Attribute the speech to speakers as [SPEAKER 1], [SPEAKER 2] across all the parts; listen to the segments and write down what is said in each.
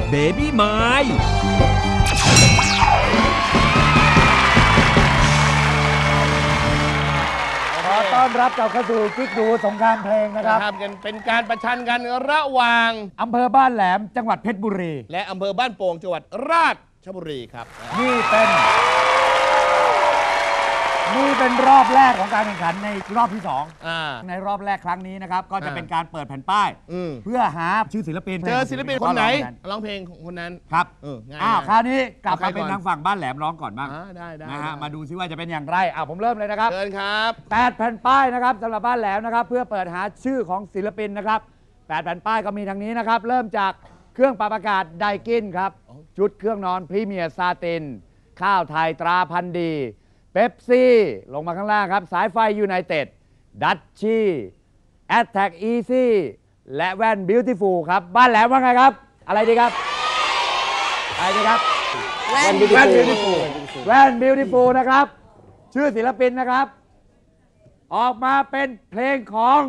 [SPEAKER 1] Baby My
[SPEAKER 2] ขอต้อนรับกลับเข้าสู่กิ๊กดูสงครามเพลงนะครับ
[SPEAKER 3] เป็นการประชันกันระหว่าง
[SPEAKER 2] อำเภอบ้านแหลมจังหวัดเพชรบุรี
[SPEAKER 3] และอำเภอบ้านโป่งจังหวัดราชบุรีครับ
[SPEAKER 2] นี่เป็นรอบแรกของการแข่งขันในรอบที่2ในรอบแรกครั้งนี้นะครับก็จะเป็นการเปิดแผ่นป้ายเพื่อหาชื่อศิลปิน
[SPEAKER 3] เจอศิลปินคนไหนร้องเพลงคนนั้น
[SPEAKER 2] ครับ
[SPEAKER 3] ง่าย
[SPEAKER 2] คราวนี้กลับมาเป็นทางฝั่งบ้านแหลมร้องก่อนบ้าง
[SPEAKER 3] ได้
[SPEAKER 2] นะฮะมาดูซิว่าจะเป็นอย่างไรผมเริ่มเลยนะครับ
[SPEAKER 3] เชิญครับ
[SPEAKER 2] 8แผ่นป้ายนะครับสำหรับบ้านแหลมนะครับเพื่อเปิดหาชื่อของศิลปินนะครับ8แผ่นป้ายก็มีทางนี้นะครับเริ่มจากเครื่องปรับอากาศไดกินครับชุดเครื่องนอนพรีเมียร์ซาตินข้าวไทยตราพันธุ์ดีเป๊ปซี่ลงมาข้างล่างครับสายไฟยูไนเต็ดดัชชี่แอตแทกอีซี่และแว่นบิวตี้ฟูลครับบ้านแหลมว่าไงครับอะไรดีครับอะไรดีครับแว่นบิวตี้ฟูลแว่นบิวตี้ฟูลนะครับชื่อศิลปินนะครับออกมาเป็นเพลงของ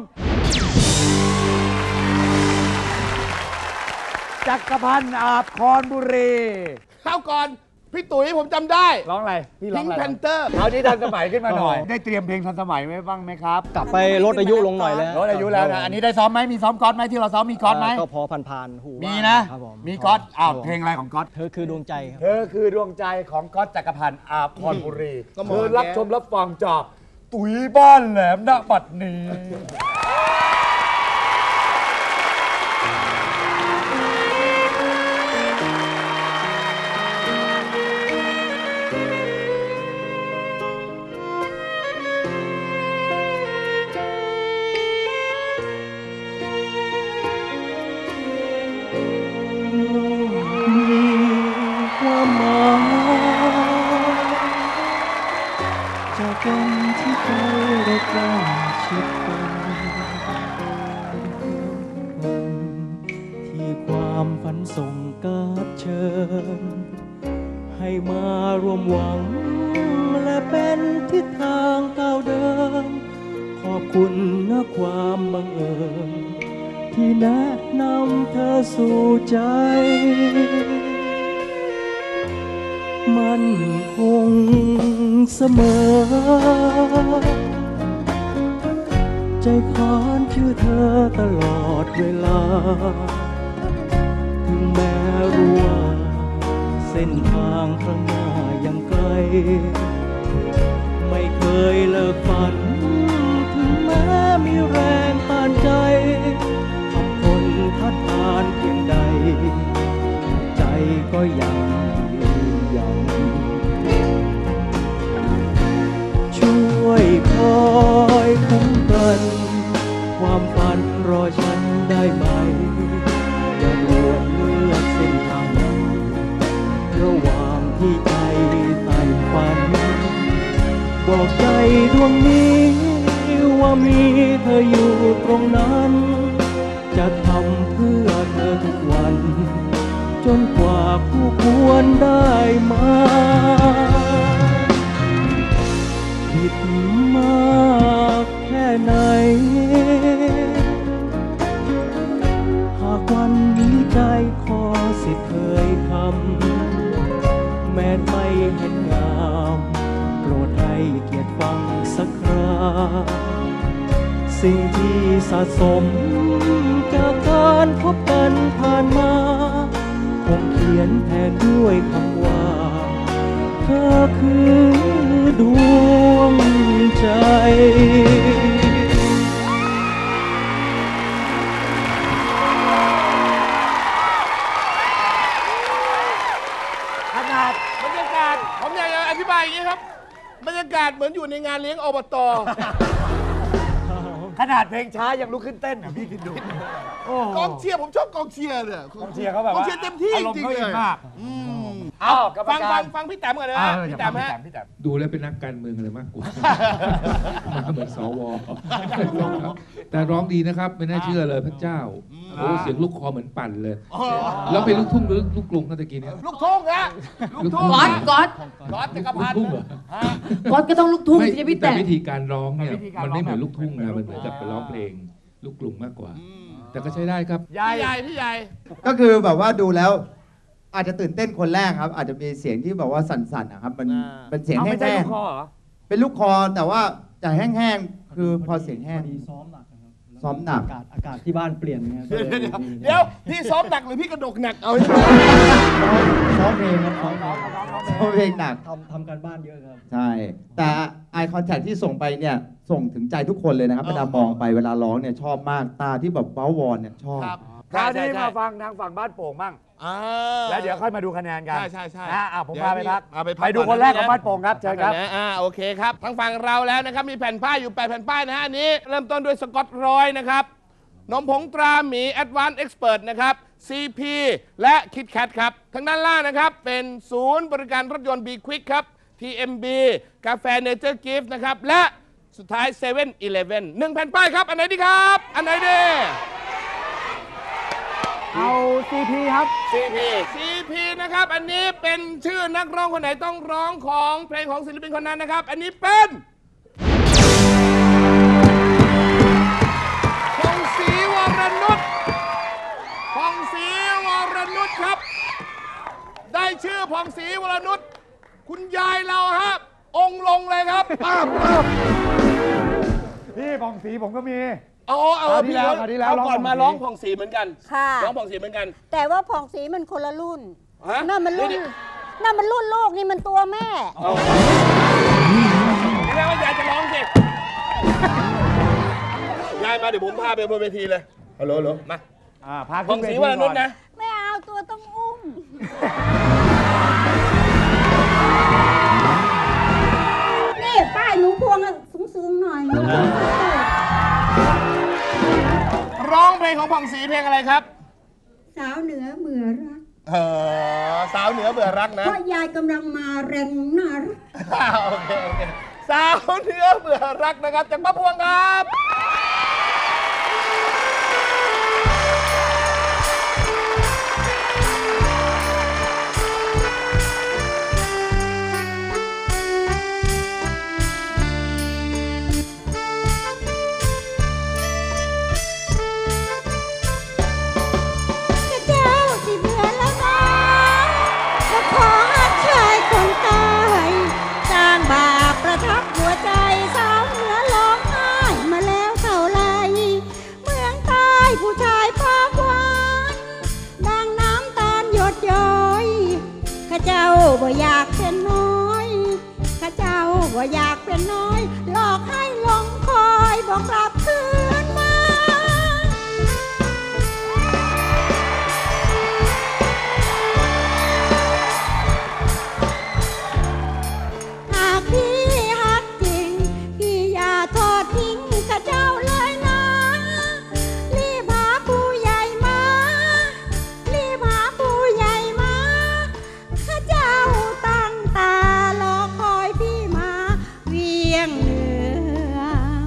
[SPEAKER 2] จักรพันธ์อาภคอนบุรี
[SPEAKER 3] เข้าก่อนพี่ตุ๋ยผมจำได้
[SPEAKER 2] ร้องอะไรพี่ร้องอะไร
[SPEAKER 3] Pink Panther
[SPEAKER 2] เอาที่ทันสมัยขึ้นมาหน่อยได้เตรียมเพลงทันสมัยไหมบ้างไหมครับ
[SPEAKER 4] กลับไปลดอายุลงหน่อยแล้ว
[SPEAKER 2] ลดอายุแล้วนะอันนี้ได้ซ้อมไหมมีซ้อมก๊อตไหมที่เราซ้อมมีก๊อตไหม
[SPEAKER 4] ก็พอผ่านหู
[SPEAKER 2] มีนะมีก๊อตเพลงอะไรของก๊อต
[SPEAKER 4] เธอคือดวงใจครับ
[SPEAKER 2] เธอคือดวงใจของก๊อตจักรพันธ์อาภคอนบุรีเธอรับชมรับฟังจากตุ๋ยบ้านแหลมณบัดนี้
[SPEAKER 4] กันที่ใจได้ใกล้ชิดกันที่ความฝันส่งการเชิญให้มารวมหวังและเป็นทิศทางก้าวเดินขอบคุณนะความบังเอิญที่แนะนำเธอสู่ใจมันคงเสมอใจขานชื่อเธอตลอดเวลาถึงแม้รู้ว่าเส้นทางข้างหน้ายังไกลไม่เคยเลิกฝันถึงแม้มีแรงต้านใจทำคนทัดทานเพียงใดใจก็ยังช่วยคอยคุ้มกันความฝันรอฉันได้ไหมอย่าด่วนเลือกเส้นทางระหว่างที่ใจใฝ่ฝันบอกใจดวงนี้ว่ามีเธออยู่ตรงนั้นจะทำเพื่อเธอทุกวันจนกว่าคู่ควรได้มาผิดมากแค่ไหนหากวันนี้ใจขอสิเคยคำแม้ไม่เห็นงามโปรดให้เกียรติฟังสักคราสิ่งที่สะสมจากการพบกันผ่านมาคงเขียนแทนด้วยคำว่าเธอคือดวงใจ
[SPEAKER 2] ขนาด
[SPEAKER 3] บรรยากาศผมอยากจะอธิบายอย่างนี้ครับบรรยากาศเหมือนอยู่ในงานเลี้ยงอบต.
[SPEAKER 2] ขนาดเพลงช้ายังลุกขึ้นเต้นพี่คิดดู
[SPEAKER 3] กองเชียร์ผมชอบกองเชียร์เลย
[SPEAKER 2] กองเชียร์เขาแบบ
[SPEAKER 3] กองเชียร์เต็มที่จริงเลยฟังพี่แต้มก่อนเลยนะพี่แต้มฮะ
[SPEAKER 5] ดูแล้วเป็นนักการเมืองอะไรมากกว่ามาเหมือนสวแต่ร้องดีนะครับไม่น่าเชื่อเลยพระเจ้าโอ้เสียงลูกคอเหมือนปั่นเลยแล้วเป็นลูกทุ่งหรือลูกกรุงตะกี้นี้
[SPEAKER 3] ลูกทุ่งฮะลูกทุ่ง
[SPEAKER 6] ก๊อต
[SPEAKER 3] จักรพันธ์
[SPEAKER 6] ก๊อตก็ต้องลูกทุ่ง
[SPEAKER 5] จะพี่แต่วิธีการร้องเนี่ยมันไม่เหมือนลูกทุ่งนะมันเหมือนกับไปร้องเพลงลูกกรุงมากกว่าแต่ก็ใช้ได้ครับ
[SPEAKER 3] พี่ใหญ่
[SPEAKER 7] ก็คือแบบว่าดูแล้ว
[SPEAKER 1] อาจจะตื่นเต้นคนแรกครับ อาจจะมีเสียงที่แบบว่าสั่นๆนะครับมันเป็นเสียง
[SPEAKER 2] เอา
[SPEAKER 1] แห้
[SPEAKER 2] ไม่ใช่
[SPEAKER 1] ง
[SPEAKER 2] ลูกคอเหรอ
[SPEAKER 1] ๆเป็นลูกคอแต่ว่าจะแห้งๆคือพอเสียงแห้ง
[SPEAKER 4] พอดีซ้อมหนักนะครับ
[SPEAKER 1] ซ้อมหนัก
[SPEAKER 4] อากาศที่บ้านเปลี่ยนไงก็เลยมี
[SPEAKER 3] เดี๋ยวพี่ซ้อมหนักหรือพี่กระดกหนักเอาให้
[SPEAKER 4] ซ้อมเพลงครับซ้อม
[SPEAKER 1] เพราะเพลงหนัก
[SPEAKER 4] ทำการบ้านเยอะครับ
[SPEAKER 1] ใช่ แต่ Eye Contact ที่ส่งไปเนี่ยส่งถึงใจทุกคนเลยนะครับเวลามองไปเวลาร้องเนี่ยชอบมากตาที่แบบเบ้าวอนเนี่ยชอบ
[SPEAKER 3] ครับ
[SPEAKER 2] คราวนี้
[SPEAKER 3] ใช่
[SPEAKER 2] มาฟังทางฝั่งบ้านโป่งบ้าง
[SPEAKER 3] อ่า
[SPEAKER 2] แล้วเดี๋ยวค่อยมาดูคะแนนกัน
[SPEAKER 3] ใช่
[SPEAKER 2] ผมพาไปพัก
[SPEAKER 3] เอาไปพัก
[SPEAKER 2] ไปดู
[SPEAKER 3] ก่อน
[SPEAKER 2] คนแรก
[SPEAKER 3] นะ
[SPEAKER 2] ของบ้านโป่งครับเชิญครับ
[SPEAKER 3] โอเคครับทางฝั่งเราแล้วนะครับมีแผ่นป้ายอยู่8แผ่นป้ายนะฮะอันนี้เริ่มต้นด้วยสกอตร้อยนะครับนมผงตราหมี Advanced Expert นะครับ CP และ KitKat ครับทางด้านล่างนะครับเป็นศูนย์บริการรถยนต์ B Quick ครับ TMB กาแฟ Nature Gift นะครับและสุดท้าย7-Eleven 1แผ่นป้ายครับอันไหนดีครับอันไหนดี
[SPEAKER 2] เอา CP ครับ
[SPEAKER 3] CP นะครับอันนี้เป็นชื่อนักร้องคนไหนต้องร้องของเพลงของศิลปินคนนั้นนะครับอันนี้เป็นพงศรีวรนุชพงศรีวรนุชครับได้ชื่อพงศรีวรนุชคุณยายเราครับองค์ลงเลยครับป้าบ
[SPEAKER 2] พี่ผ่องสีผมก็มี
[SPEAKER 3] เอา
[SPEAKER 2] คราวที่แล้ว
[SPEAKER 3] ก่อน
[SPEAKER 2] ร้อง
[SPEAKER 3] มา
[SPEAKER 2] ผ่องศรี
[SPEAKER 3] ร้องผ่องศรีเหมือนกัน
[SPEAKER 7] ค่ะ
[SPEAKER 3] ร้องผ่องศรีเหมือนกัน
[SPEAKER 7] แต่ว่าผ่องสีมันคนละรุ่น
[SPEAKER 3] ฮะ
[SPEAKER 7] นั่นมันรุ่น
[SPEAKER 3] เดี๋ยว
[SPEAKER 7] นั่นมันรุ่นลูกนี่มันตัวแม่
[SPEAKER 3] นี่แม่ว่ายายจะร้องสิ ยายมาเดี๋ยวผมพาไปบนเวทีเลยฮัลโหลมา
[SPEAKER 2] พา
[SPEAKER 3] ผ่องศรีวรนุชนะ
[SPEAKER 7] ไม่เอาตัวต้องอุ้ม นี่ป้ายหนูพวงอะสูงๆหน่อย
[SPEAKER 3] ร้องเพลงของผ่องศรีเพลงอะไรครับ
[SPEAKER 7] สาวเหนือเหมือรัก
[SPEAKER 3] สาวเหนือเบื่อรักนะ
[SPEAKER 7] เพราะยายกำลังมาแรงน่ารัก
[SPEAKER 3] โอเคสาวเหนือเบื่อรักนะครับจากป้าพวงครับ
[SPEAKER 7] เจ้าสิเบื่อแล้วนะก็ขอชายคนตายสร้างบาปประทับหัวใจสาวเหนือร้องไห้มาแล้วเท่าไรเมืองใต้ผู้ชายปากหวานดังน้ำตาลหยดย้อยข้าเจ้าบ่อยากเป็นน้อยข้าเจ้าบ่อยากเป็นน้อยหลอกให้หลงคอยบอกกลับคืนมา หากพี่ฮักจริงพี่อย่าทอดทิ้งข้าเจ้าเลยนะ รีบหาผู้ใหญ่มา รีบหาผู้ใหญ่มาข้าเจ้าตั้งตารอคอยพี่มาเวียงเหนือ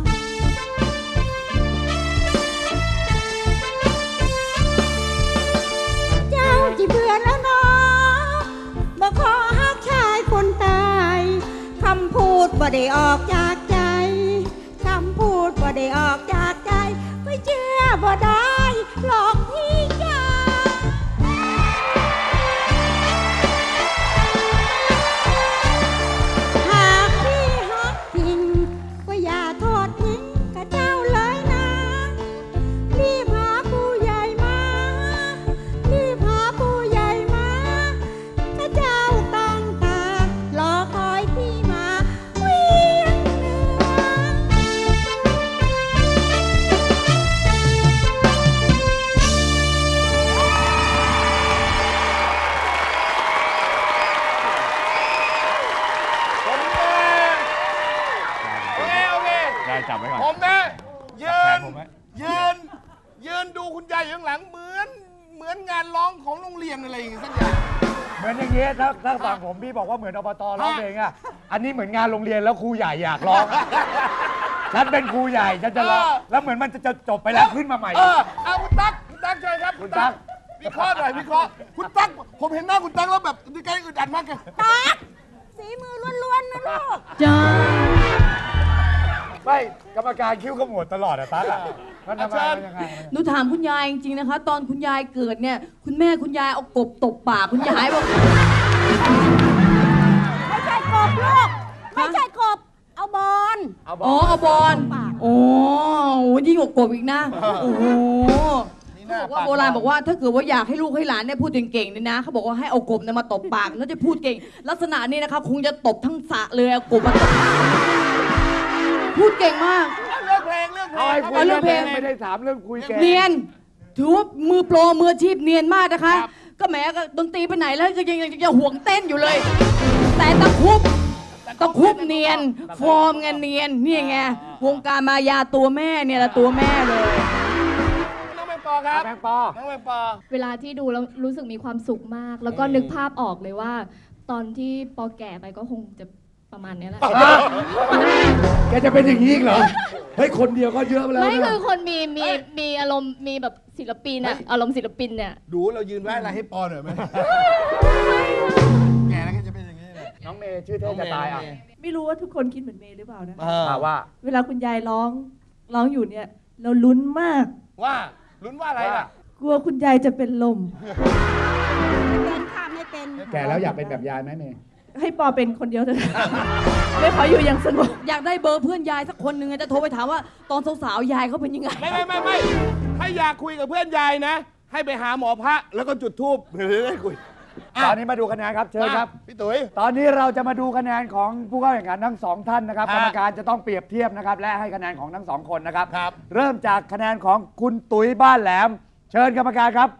[SPEAKER 7] เจ้าที่เบื่อแล้วเนาะบอกขอฮักชายคนตายคำพูดบ่ได้ออกจากใจคำพูดบ่ได้ออกจากใจไม่เชื่อบ่ได้หลอกพี่จ้าหากพี่ฮักจริงก็อย่าโทษทิ้งกับเจ้าเลยนะ รีบหาผู้ใหญ่มา รีบหาผู้ใหญ่มาข้าเจ้าตั้งตารอคอยพี่มาเวียงเหนื
[SPEAKER 3] ผมโอเค
[SPEAKER 2] ได้จับไว้ก่อน
[SPEAKER 3] ผมนะยื
[SPEAKER 2] แข
[SPEAKER 3] น
[SPEAKER 2] นผมไว้
[SPEAKER 3] ยืนดูคุณยายอยู่ข้างหลังเหมือนงานร้องของโรงเรียนอะไรอย่างเงี้ยสักอย่าง
[SPEAKER 2] เหมือนอย่างเงี้ยถ้าฝั่งผมพี่บอกว่าเหมือนอบตร้องเพลงอ่ะ อันนี้เหมือนงานโรงเรียนแล้วครูใหญ่อยากร้อง ฉันเป็นครูใหญ่ฉันจะร้อง แล้วเหมือนมันจะจบไปแล้วขึ้นมาใหม่
[SPEAKER 3] เอาคุณตั๊กเชิญครับ
[SPEAKER 2] คุณตั๊ก
[SPEAKER 3] วิเคราะห์หน่อยวิเคราะห์คุณตั๊กผมเห็นหน้าคุณตั๊กแล้วแบบใจอึดอัดมากเลย
[SPEAKER 7] ตักฝีมือล้วนๆนะลูก
[SPEAKER 4] จ้า
[SPEAKER 2] ไม่กรรมการคิ้วขมวดตลอดอะตั๊กอะมันทำไมมันยังไง
[SPEAKER 6] หนูถามคุณยายจริงๆนะคะ ตอนคุณยายเกิดเนี่ย คุณแม่คุณยายเอากบตบปากคุณยายบอก
[SPEAKER 7] ไม่ใช่กบลูก ไม่ใช่กบ เอาบอล
[SPEAKER 6] อ๋อเอาบอลโอ้โหยิ่งกว่ากบอีกนะ โอ้โหเขาบอกว่าโบราณบอกว่าถ้าเกิดว่าอยากให้ลูกให้หลานเนี่ยพูดเก่งๆเนี่ยนะเขาบอกว่าให้เอากบเนี่ยมาตบปากแล้วจะพูดเก่ง ลักษณะนี้นะคะคงจะตบทั้งสระเลยเอากบมาตบพูดเก่งมาก
[SPEAKER 3] เรื่องเพลงเรื่องเพล
[SPEAKER 2] เอา
[SPEAKER 3] ง
[SPEAKER 2] ให้คุย
[SPEAKER 6] เอาเรื่
[SPEAKER 2] เรื่
[SPEAKER 6] อ
[SPEAKER 2] อง ง
[SPEAKER 6] เพ
[SPEAKER 2] เพ
[SPEAKER 6] ล
[SPEAKER 2] ล
[SPEAKER 6] ง
[SPEAKER 2] งไม่ได้ถามเรื่องคุยเก่ง
[SPEAKER 6] เนียนถือว่ามือโปรมืออาชีพเนียนมากนะคะ ก็แหมก็ดนตรีไปไหนแล้วก็ยังห่วงเต้นอยู่เลย แต่ตะคุบเนียน ฟอร์มไงเนียนนี่ไงวงการมายาตัวแม่เนี่ยละตัวแม่เลย
[SPEAKER 3] น้องแมงปอครับ
[SPEAKER 2] แมงปอ
[SPEAKER 3] น้องแมงปอ
[SPEAKER 8] เวลาที่ดูแล้วรู้สึกมีความสุขมาก แล้วก็นึกภาพออกเลยว่า ตอนที่ปอแก่ไปก็คงจะประมาณนี้แหละ
[SPEAKER 2] แกจะเป็นอย่างนี้อีกเหรอ เฮ้ย คนเดียวก็เยอะไปแล้ว
[SPEAKER 8] ไม่
[SPEAKER 2] นะ
[SPEAKER 8] คือคนมีอารมณ์มีแบบศิลปินอะอารมณ์ศิลปินเนี่ย
[SPEAKER 3] ดูเรายืนไว้อะไรให้ปอหน่อยไหมแกแล้วก็จะเป็นอย่างนี้เลย
[SPEAKER 2] น้องเมย์ชื่อเท่จะตายอ่ะ
[SPEAKER 9] ไม่รู้ว่าทุกคนคิดเหมือนเมย์หรือเปล่านะ
[SPEAKER 2] ว่า
[SPEAKER 9] เวลาคุณยายร้องอยู่เนี่ย เราลุ้นมาก
[SPEAKER 3] ว่าลุ้นว่าอะไรล่ะ
[SPEAKER 9] กลัวคุณยายจะเป็นลม
[SPEAKER 7] เป็นค่ะไม่เป็น
[SPEAKER 2] แกแล้วอยากเป็นแบบยายไหมเมย์
[SPEAKER 9] ให้ปอเป็นคนเดียวเถอะ ไม่ขออยู่อย่างสงบ
[SPEAKER 6] อยากได้เบอร์เพื่อนยายสักคนหนึ่งจะโทรไปถามว่าตอนสาวๆยายเขาเป็นยังไง
[SPEAKER 3] ไม่ถ้าอยากคุยกับเพื่อนยายนะ ให้ไปหาหมอพระแล้วก็จุดธูปเดี๋ยวได้คุย
[SPEAKER 2] ตอนนี้มาดูคะแนนครับ เชิญครับ
[SPEAKER 3] พี่ตุ๋ย
[SPEAKER 2] ตอนนี้เราจะมาดูคะแนนของผู้เข้าแข่งขันทั้งสองท่านนะครับ
[SPEAKER 3] ฮะ
[SPEAKER 2] กรรมการจะต้องเปรียบเทียบนะครับ และให้คะแนนของทั้งสองคนนะครับ
[SPEAKER 3] ครับ
[SPEAKER 2] เริ่มจากคะแนนของคุณตุ๋ยบ้านแหลม เชิญกรรมการครับ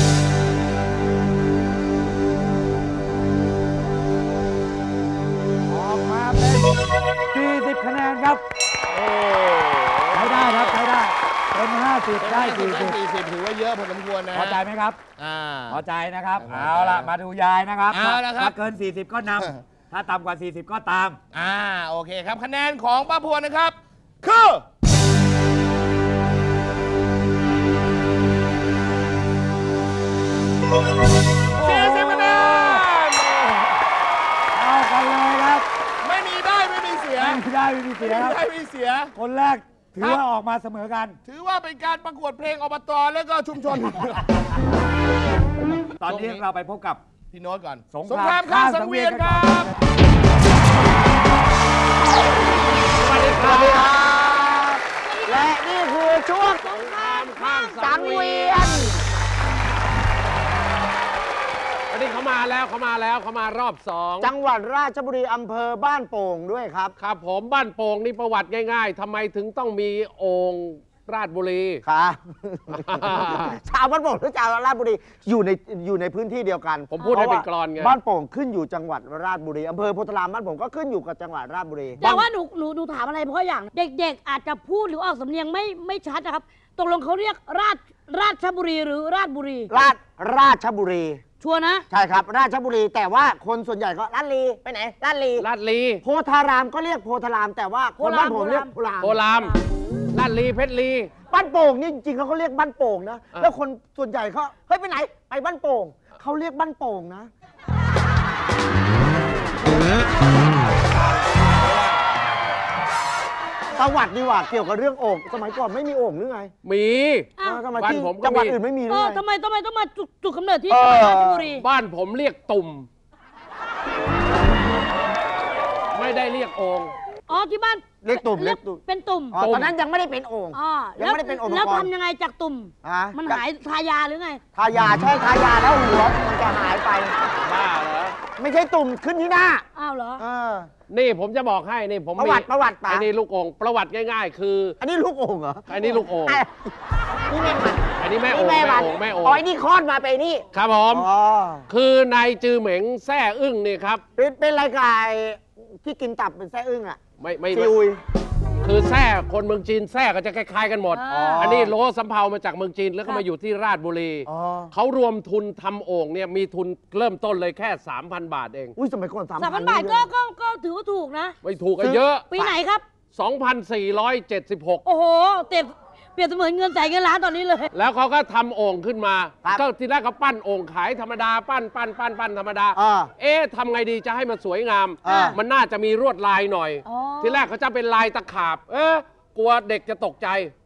[SPEAKER 2] ออกมาเป็น40คะแนนครับใช้ได้ครับใช้ได้เป็น50ได้40
[SPEAKER 3] 40ถือว่าเยอะพอสมควรนะ
[SPEAKER 2] พอใจไหมครับ
[SPEAKER 3] อ่า
[SPEAKER 2] พอใจนะครับ
[SPEAKER 3] พอใจ
[SPEAKER 2] เอาล่ะ มาดูยายนะครับ
[SPEAKER 3] เอาละครับ
[SPEAKER 2] ถ้าเกิน 40 ก็นำ ถ้าต่ำกว่า 40 ก็ตาม
[SPEAKER 3] โอเคครับคะแนนของป้าพวงนะครับ คือ40คะแนน
[SPEAKER 2] เอากันเลยครับ
[SPEAKER 3] ไม่มีได้ไม่มีเสีย
[SPEAKER 2] ไม่ได้ไม่มีเสียครับ
[SPEAKER 3] ไม่มีเสีย
[SPEAKER 2] คนแรกถือว่าออกมาเสมอกัน
[SPEAKER 3] ถือว่าเป็นการประกวดเพลงอบตแล้วก็ชุมชน
[SPEAKER 2] ตอนนี้เราไปพบกับ
[SPEAKER 3] พี่โน้ตก่อน
[SPEAKER 2] สง
[SPEAKER 3] สง
[SPEAKER 2] ค
[SPEAKER 3] ค
[SPEAKER 2] ราร
[SPEAKER 3] าม มข้ามสังเวียนครับ
[SPEAKER 2] สวัสดีครับ
[SPEAKER 10] และนี่คือช่วง
[SPEAKER 3] สงครามข้าม
[SPEAKER 10] สังเวียน
[SPEAKER 11] อันนี้เขามาแล้วเขามารอบสอง
[SPEAKER 10] จังหวัดราชบุรีอำเภอบ้านโป่งด้วยครับ
[SPEAKER 11] ครับผมบ้านโป่งนี่ประวัติง่ายๆทำไมถึงต้องมีโอ่งราชบุรี
[SPEAKER 10] ครับ ชาวบ้านโป่งหรือชาวราชบุรีอยู่ในพื้นที่เดียวกัน
[SPEAKER 11] ผมพูดให้เป็นกลอนไง
[SPEAKER 10] บ้านโป่งขึ้นอยู่จังหวัดราชบุรีอำเภอโพธารามบ้านโป่งก็ขึ้นอยู่กับจังหวัดราชบุรี
[SPEAKER 12] แต่ว่าหนูถามอะไรเพราะอย่าง เด็กๆ อาจจะพูดหรือออกสำเนียงไม่ชัดนะครับตกลงเขาเรียกราชบุรีหรือราชบุรี
[SPEAKER 10] ราชบุรี
[SPEAKER 12] ชัวร์นะ
[SPEAKER 10] ใช่ครับ ราชบุรีแต่ว่าคนส่วนใหญ่ก็ลาดลีไปไหนลาดลี
[SPEAKER 11] ลาดลี
[SPEAKER 10] โพธารามก็เรียกโพธาราม แต่ว่าคนบ้านโป่งเรียกโพธาราม
[SPEAKER 11] โพรามลาดลีเพชรลี
[SPEAKER 10] บ้านโป่งนี่จริงๆเขาเรียกบ้านโป่งนะ แล้วคนส่วนใหญ่เขาเฮ้ยไปไหนไปบ้านโป่งเขาเรียกบ้านโป่งนะประวัติดีกว่าเกี่ยวกับเรื่องโอ่งสมัยก่อนไม่มีโอ่งหรือไง
[SPEAKER 11] มี
[SPEAKER 12] อ้าว
[SPEAKER 10] ทำไม
[SPEAKER 11] บ้าน
[SPEAKER 10] ที่
[SPEAKER 11] ผมก็
[SPEAKER 10] จังหวัด
[SPEAKER 11] มี
[SPEAKER 10] อื่นไม่มีหรือ
[SPEAKER 12] เออ
[SPEAKER 10] ไง
[SPEAKER 12] ทำไมต้องมาจุดกำเนิดที่จังหวัดราชบุรี
[SPEAKER 11] บ้านผมเรียกตุ่ม ไม่ได้เรียกโอ่ง
[SPEAKER 12] อ๋อที่บ้าน
[SPEAKER 10] เรียกตุ่มเรียกตุ่ม
[SPEAKER 12] เป็นตุ่ม
[SPEAKER 10] อ๋อตอนนั้นยังไม่ได้เป็นโอ่ง
[SPEAKER 12] อ๋อ
[SPEAKER 10] ยังไม่ได้เป็นองค์
[SPEAKER 12] แล้ว
[SPEAKER 10] ประกอบ
[SPEAKER 12] ทำยังไงจากตุ่ม
[SPEAKER 10] ฮะ
[SPEAKER 12] มันหายทายาหรือไง
[SPEAKER 10] ทายาใช่ทายาแล้วหัวมันจะหายไป
[SPEAKER 11] บ้าเหรอ
[SPEAKER 10] ไม่ใช่ตุ่มขึ้นที่หน้า
[SPEAKER 12] อ้าวเหรอ
[SPEAKER 10] เออ
[SPEAKER 11] นี่ผมจะบอกให้นี่ผม
[SPEAKER 10] ประวัติ
[SPEAKER 11] มี
[SPEAKER 10] ประวัติป่ะ
[SPEAKER 11] ไอ้นี่ลูกโอ่งประวัติง่ายๆ คือ
[SPEAKER 10] อันนี้ลูกโอ่งเหรอ
[SPEAKER 11] อันนี้ลูกโอ่ง
[SPEAKER 10] อ่ะนี่แม่มัน
[SPEAKER 11] อันนี้แม่โอ่ง
[SPEAKER 10] นี่
[SPEAKER 11] แม่
[SPEAKER 10] มัน
[SPEAKER 11] โอ่งแม่โอ่ง
[SPEAKER 10] อ๋อไอ้นี่คลอดมาไปนี่
[SPEAKER 11] ครับผม
[SPEAKER 10] อ๋อ
[SPEAKER 11] คือนายจือเหม็งแซ่อึ้งนี่ครับ
[SPEAKER 10] เป็นรายการที่กินตับเป็นไส้อึ้งอ่ะ
[SPEAKER 11] ไม่
[SPEAKER 10] ซีอุย
[SPEAKER 11] คือแซ่คนเมืองจีนแซ่ก็จะคล้ายๆกันหมด
[SPEAKER 12] อ๋ออั
[SPEAKER 11] อันนี้โลสำเภามาจากเมืองจีนแล้วก็มาอยู่ที่ราชบุรี
[SPEAKER 10] อ๋อ
[SPEAKER 11] เขารวมทุนทำโอ่งเนี่ยมีทุนเริ่มต้นเลยแค่ 3,000 บาทเอง
[SPEAKER 10] อุ้ยสมัยก่อน
[SPEAKER 12] 3,000 บาทก็ถือว่าถูกนะ
[SPEAKER 11] ไม่ถูกกันเยอะ
[SPEAKER 12] ปีไหนครับ
[SPEAKER 11] 2,476
[SPEAKER 12] โอ้โหเต็มรียบเสมือนเงินแสนเงินล้านตอนนี้เลย
[SPEAKER 11] แล้วเขาก็ทำโอ่งขึ้นมา
[SPEAKER 10] ครับ
[SPEAKER 11] ก็ทีแรกเขาปั้นโอ่งขายธรรมดาปั้นธรรมดา ทำไงดีจะให้มันสวยงาม มันน่าจะมีลวดลายหน่อย
[SPEAKER 12] อ๋อ
[SPEAKER 11] ทีแรกเขาจะเป็นลายตะขาบ กลัวเด็กจะตกใจ